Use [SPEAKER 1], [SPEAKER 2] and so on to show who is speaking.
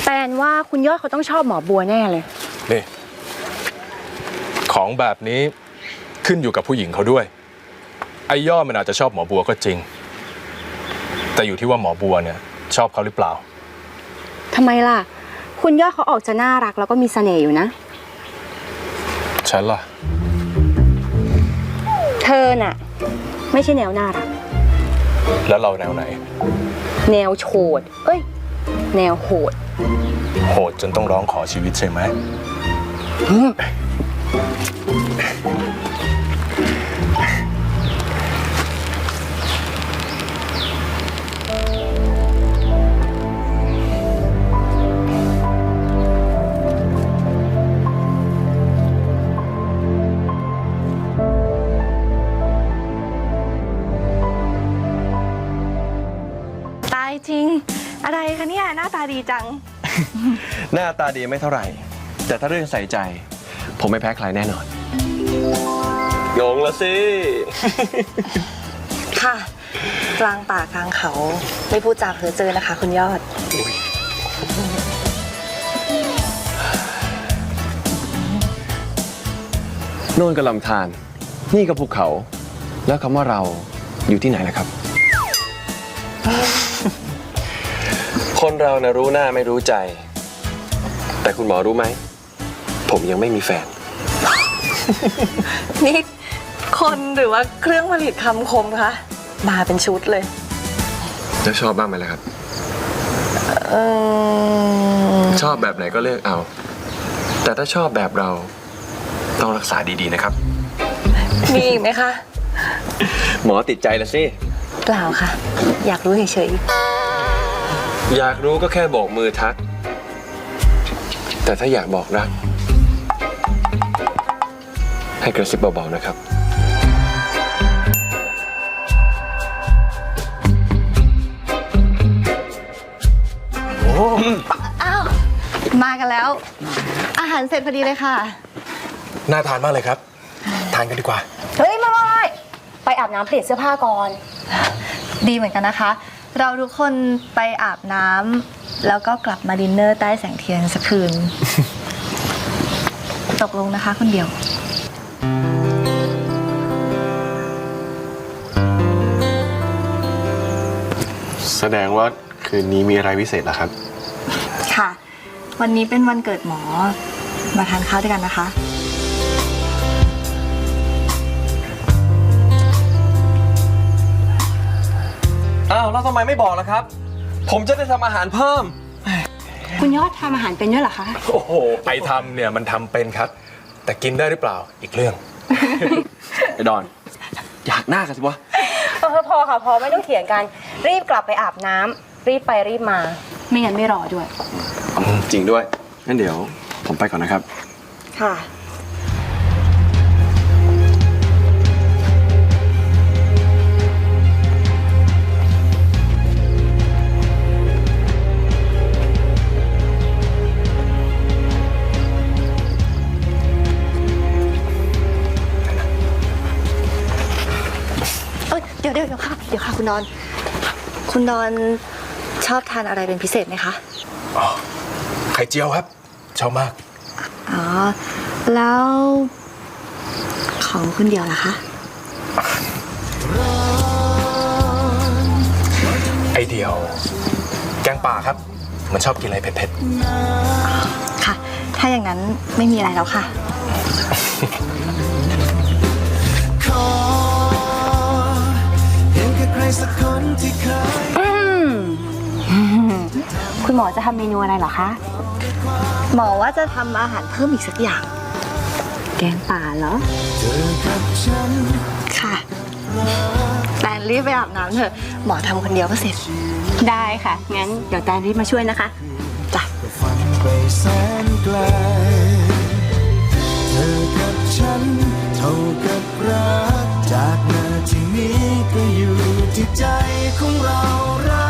[SPEAKER 1] แปลว่าคุณยอดเขาต้องชอบหมอบัวแน่เลย
[SPEAKER 2] นี่ของแบบนี้ขึ้นอยู่กับผู้หญิงเขาด้วยไอ้ยอดมันอาจจะชอบหมอบัวก็จริงแต่อยู่ที่ว่าหมอบัวเนี่ยชอบเขาหรือเปล่า
[SPEAKER 1] ทำไมล่ะคุณยอดเขาออกจะน่ารักแล้วก็มีเสน่ห์อยู่นะ
[SPEAKER 2] ฉันล่ะ
[SPEAKER 1] เธอน่ะไม่ใช่แนวน่ารัก
[SPEAKER 2] แล้วเราแนวไหน
[SPEAKER 1] แนวโฉดแนวโหด
[SPEAKER 2] โหดจนต้องร้องขอชีวิตใช่ไหม
[SPEAKER 3] จริงอะไรคะเนี่ยหน้าตาดีจัง
[SPEAKER 4] หน้าตาดีไม่เท่าไหร่แต่ถ้าเรื่องใส่ใจผมไม่แพ้ใครแน่นอนงงละสิ
[SPEAKER 3] ค่ะกลางป่ากลางเขาไม่พูดจาเพ้อเจ้อนะคะคุณยอด
[SPEAKER 4] โน่นก็ลำธารนี่ก็ภูเขาแล้วคำว่าเราอยู่ที่ไหนล่ะครับคนเรานะรู้หน้าไม่รู้ใจแต่คุณหมอรู้ไหมผมยังไม่มีแฟน
[SPEAKER 3] นี่คนหรือว่าเครื่องผลิตคำคมคะมาเป็นชุดเลย
[SPEAKER 4] แล้วชอบบ้างไหมล่ะครับชอบแบบไหนก็เลือกเอาแต่ถ้าชอบแบบเราต้องรักษาดีๆนะครับ
[SPEAKER 3] มีอีกไหมคะ
[SPEAKER 4] หมอติดใจละสิ
[SPEAKER 3] เปล่าค่ะอยากรู้เฉย
[SPEAKER 4] อยากรู้ก็แค่โบกมือทักแต่ถ้าอยากบอกรักให้กระซิบเบาๆนะครับ
[SPEAKER 3] อ้าวมากันแล้วอาหารเสร็จพอดีเลยค่ะ
[SPEAKER 2] น่าทานมากเลยครับทานกันดีกว่า
[SPEAKER 1] เฮ้ยไม่ไปอาบน้ำเปลี่ยนเสื้อผ้าก่อน
[SPEAKER 3] ดีเหมือนกันนะคะเราทุกคนไปอาบน้ำแล้วก็กลับมาดินเนอร์ใต้แสงเทียนสักคืน ตกลงนะคะคนเดียว
[SPEAKER 4] แสดงว่าคืนนี้มีอะไรพิเศษเหรอครับ
[SPEAKER 3] ค่ะวันนี้เป็นวันเกิดหมอมาทานข้าวด้วยกันนะคะ
[SPEAKER 4] อ้าวแล้วทำไมไม่บอกล่ะครับผมจะได้ทำอาหารเพิ่ม
[SPEAKER 1] คุณยอดทำอาหารเป็นด้วยเหรอคะ
[SPEAKER 2] โอ้โหไปทำเนี่ยมันทำเป็นครับแต่กินได้หรือเปล่าอีกเรื่อง
[SPEAKER 4] ไอ้ดอนอยากหน้ากันสิวะ
[SPEAKER 1] พอค่ะพอไม่ต้องเถียงกันรีบกลับไปอาบน้ำรีบไปรีบมาไม่งั้นไม่รอด้วย
[SPEAKER 4] จริงด้วยงั้นเดี๋ยวผมไปก่อนนะครับ
[SPEAKER 1] ค่ะ
[SPEAKER 3] เดี๋ยวค่ะคุณดอนชอบทานอะไรเป็นพิเศษไหมคะ
[SPEAKER 2] อ๋อไข่เจียวครับชอบมาก
[SPEAKER 3] อ๋อแล้วของคุณเดียวล่ะคะ
[SPEAKER 2] ไอเดียวแกงป่าครับมันชอบกินอะไรเผ็ด
[SPEAKER 3] ๆค่ะถ้าอย่างนั้นไม่มีอะไรแล้วค่ะ
[SPEAKER 1] คุณหมอจะทำเมนูอะไรเหรอคะ
[SPEAKER 3] หมอว่าจะทำอาหารเพิ่มอีกสักอย่าง
[SPEAKER 1] แกงป่าเหรอ
[SPEAKER 3] ค่ะแตนรีบไปอาบน้ำเถอะหมอทำคนเดียวก็เสร็จ
[SPEAKER 1] ได้ค่ะงั้นเดี๋ยวแตนรีบมาช่วยนะคะ
[SPEAKER 3] จ้ะ
[SPEAKER 5] เธอกับฉันเท่ากับรักจากนาทีนี้ก็อยู่ที่ใจของเรา